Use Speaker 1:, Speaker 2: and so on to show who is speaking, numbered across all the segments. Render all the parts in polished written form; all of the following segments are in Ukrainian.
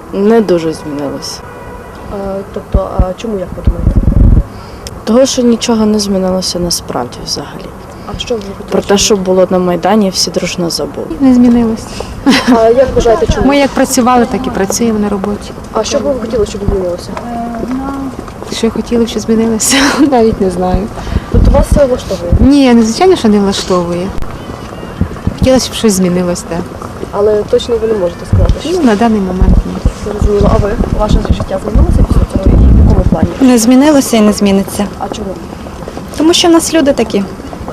Speaker 1: Не дуже змінилося.
Speaker 2: Тобто, а чому, як ви думаєте?
Speaker 1: Того, що нічого не змінилося насправді взагалі.
Speaker 2: А що ви хотіли?
Speaker 1: Про те, що було на Майдані, всі дружно забули.
Speaker 3: Не змінилось.
Speaker 2: А як вважаєте, чому?
Speaker 3: Ми як працювали, так і працюємо на роботі.
Speaker 2: А що б ви хотіли, щоб змінилося?
Speaker 3: Що хотіли, що змінилося, навіть не знаю.
Speaker 2: Тобто вас все влаштовує?
Speaker 3: Ні, звичайно, що не влаштовує. Хотілося, щоб щось змінилось, так.
Speaker 2: Але точно ви не можете сказати, що
Speaker 3: Ну, на даний момент ні.
Speaker 2: зрозуміло. А ви? Ваше життя змінилося після цього і в якому плані?
Speaker 4: Не змінилося і не зміниться.
Speaker 2: А чому?
Speaker 4: Тому що в нас люди такі.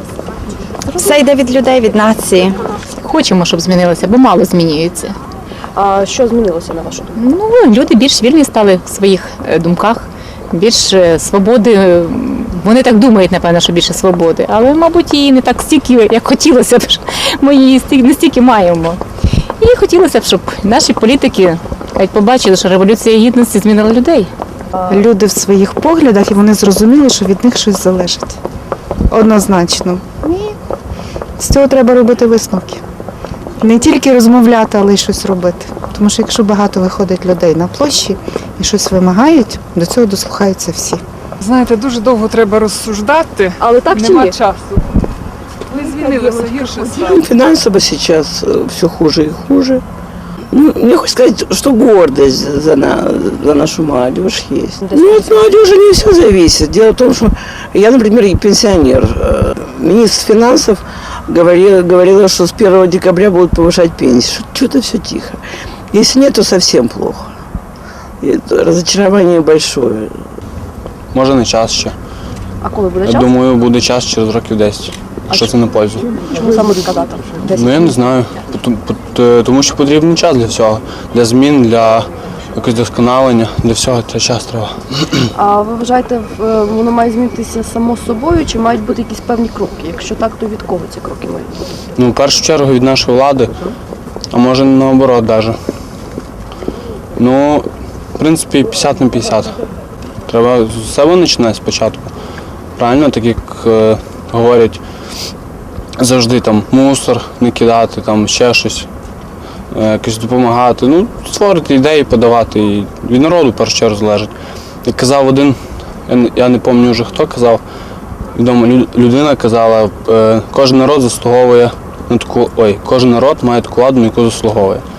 Speaker 4: Все йде від людей, від нації.
Speaker 5: Хочемо, щоб змінилося, бо мало змінюється.
Speaker 2: А що змінилося на вашу думку?
Speaker 5: Ну, люди більш вільні стали в своїх думках, більш свободи. Вони так думають, напевно, що більше свободи, але, мабуть, її не так стільки, як хотілося б. Ми її не стільки маємо. І хотілося б, щоб наші політики побачили, що Революція Гідності змінила людей.
Speaker 6: Люди в своїх поглядах, і вони зрозуміли, що від них щось залежить. Однозначно. І з цього треба робити висновки. Не тільки розмовляти, але й щось робити. Тому що якщо багато виходить людей на площі і щось вимагають, до цього дослухаються всі.
Speaker 7: Знаєте, дуже довго треба розсуждати,
Speaker 2: Але так чи
Speaker 7: нема
Speaker 2: ні?
Speaker 7: часу. Не змінилося, гірше стало.
Speaker 8: Финансово сейчас все хуже и хуже. Ну, мне хочется сказать, что гордость за нашу молодежь есть. Ну, от молодежи не все зависит. Дело в том, что я, например, и пенсионер. Министр финансов говорила, что с 1 декабря будут повышать пенсии. Что-то все тихо. Если нет, то совсем плохо. И разочарование большое.
Speaker 9: Може не час ще.
Speaker 2: А коли буде
Speaker 9: Я
Speaker 2: час?
Speaker 9: думаю, буде час через років 10. Що це на пользу?
Speaker 2: Чому саме сказати?
Speaker 9: Ну я не знаю. Тому що потрібен час для всього. Для змін, для якогось досконалення, для всього час треба.
Speaker 2: А ви вважаєте, воно має змінитися само собою, чи мають бути якісь певні кроки? Якщо так, то від кого ці кроки мають бути?
Speaker 9: Ну, в першу чергу від нашої влади, а може наоборот навіть. Ну, в принципі, 50 на 50. Треба з себе починати спочатку. Правильно, так як говорять, завжди там мусор не кидати, там ще щось, якось допомагати. Ну, створити ідеї, подавати. І від народу в першу чергу залежить. Як казав один, я не пам'ятаю вже хто казав, відома людина казала, кожен народ заслуговує на таку, кожен народ має таку владу, на яку заслуговує.